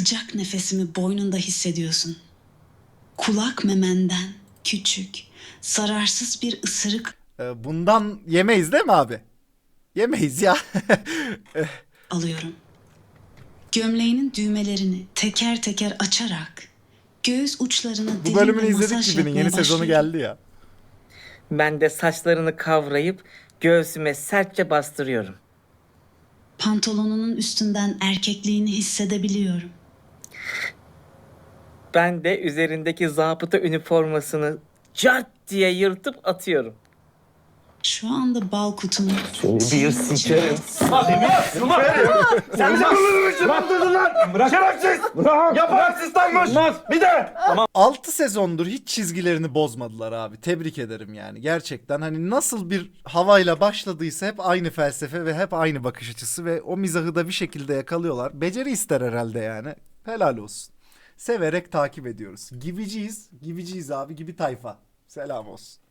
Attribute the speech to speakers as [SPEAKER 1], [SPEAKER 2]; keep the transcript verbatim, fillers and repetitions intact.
[SPEAKER 1] sıcak nefesimi boynunda hissediyorsun. Kulak memenden küçük, zararsız bir ısırık
[SPEAKER 2] Ee, bundan yemeyiz değil mi abi? Yemeyiz ya.
[SPEAKER 1] alıyorum. Gömleğinin düğmelerini teker teker açarak göğüs uçlarına
[SPEAKER 2] Bu
[SPEAKER 1] derin
[SPEAKER 2] bölümünü
[SPEAKER 1] bir
[SPEAKER 2] izledik
[SPEAKER 1] masaj
[SPEAKER 2] gibinin
[SPEAKER 1] yapmaya
[SPEAKER 2] yeni sezonu
[SPEAKER 1] başlıyorum.
[SPEAKER 2] geldi ya.
[SPEAKER 3] Ben de saçlarını kavrayıp göğsüme sertçe bastırıyorum.
[SPEAKER 1] Pantolonunun üstünden erkekliğini hissedebiliyorum.
[SPEAKER 3] Ben de üzerindeki zabıta üniformasını cart diye yırtıp atıyorum.
[SPEAKER 1] Şu anda bal kutumu
[SPEAKER 3] Bir sikerim.
[SPEAKER 4] Sen bize bunu yaptırdın lan! Bırak! Şerefsiz! Bırak! Yapan asistanmış! Bir de!
[SPEAKER 2] altı sezondur hiç çizgilerini bozmadılar abi. Tebrik ederim yani. Gerçekten hani nasıl bir havayla başladıysa hep aynı felsefe ve hep aynı bakış açısı ve o mizahı da bir şekilde yakalıyorlar. Beceri ister herhalde yani. Helal olsun. Severek takip ediyoruz. Gibiciyiz. Gibiciyiz abi. Gibi tayfa. Selam olsun.